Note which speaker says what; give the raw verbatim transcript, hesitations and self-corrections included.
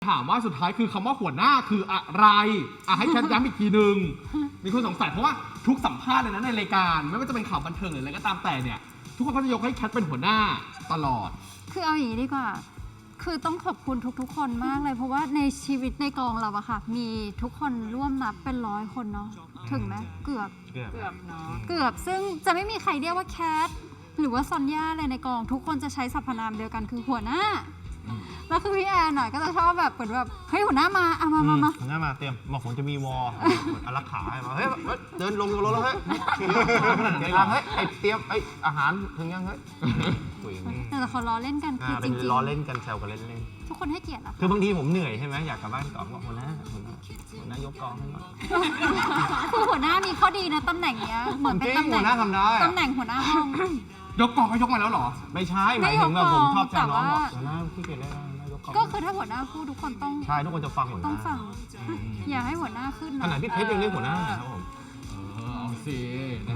Speaker 1: ถามว่าสุดท้ายคือคำว่าหัวหน้าคืออะไรอ่ะให้แคทย้ำอีกทีหนึ่งมีคนสงสัยเพราะว่าทุกสัมภาษณ์เลยนะในรายการไม่ว่าจะเป็นข่าวบันเทิงหรืออะไรก็ตามแต่เนี่ยทุกคนก็จะยกให้แคทเป็นหัวหน้าตลอด
Speaker 2: คือเอาอย่างนี้ดีกว่าคือต้องขอบคุณทุกๆคนมากเลยเพราะว่าในชีวิตในกองเราอะค่ะมีทุกคนร่วมนับเป็นร้อยคนเนาะถึงไหมเกือบ
Speaker 3: เกือบ
Speaker 2: เกือบเนาะเกือบซึ่งจะไม่มีใครเรียกว่าแคทหรือว่าซอนย่าเลยในกองทุกคนจะใช้สรรพนามเดียวกันคือหัวหน้าแล้วคือพี่แอนหน่อยก็จะชอบแบบเหมือนแบบเฮ้ยหัวหน้ามาอ่ะมามามา
Speaker 3: หัวหน้ามาเตรียมบอกผมจะมีวอลอารักขาให้มาเฮ้ยเดินลงจากรถแล้วเฮ้ยเดี๋ยวเฮ้ยไอเตรียมไออาหารถึงยังเฮ้ยคุยอย่างนี้
Speaker 2: แต่เขาล้อเล่นกันคือจ
Speaker 3: เป็น
Speaker 2: ริง
Speaker 3: ล้อเล่นกันแซวกันเล่นเล่น
Speaker 2: ๆทุกคนให้เกียรติอะ
Speaker 3: คือบางทีผมเหนื่อยใช่ไหมอยากกลับบ้านก่อนบอกหัวหน้าหัวหน้าหัวหน้ายกกองให้หน่อย
Speaker 2: คือหัวหน้ามีข้อดีนะตำแหน่งเนี้ยเหมือนเป็นตำแห
Speaker 3: หั
Speaker 2: น่
Speaker 3: ว
Speaker 2: ง
Speaker 3: หน้าทำได้
Speaker 2: ตำแหน่งหัวหน้าห้อง
Speaker 1: ยกกองก็ยกมาแล้วเหรอ
Speaker 3: ไม่ใช่หมายถึงแบบผมชอบแซวน้องบอก
Speaker 2: แต่ว่า
Speaker 3: หัวหน้าขี้เกียจเล่นหัวหน้ายกกอง
Speaker 2: ก็คือถ้าหัวหน้าพูดทุกคนต้อง
Speaker 3: ใช่ทุกคนจะฟังหัวห
Speaker 2: ต้อ
Speaker 3: น้าง
Speaker 2: ฟังอย่าให้หัวหน้าขึ้น
Speaker 3: ข
Speaker 2: นะ
Speaker 3: นาดพี่เพชรยังเรียกหัวหน้าครับผม
Speaker 1: เออเอาสิ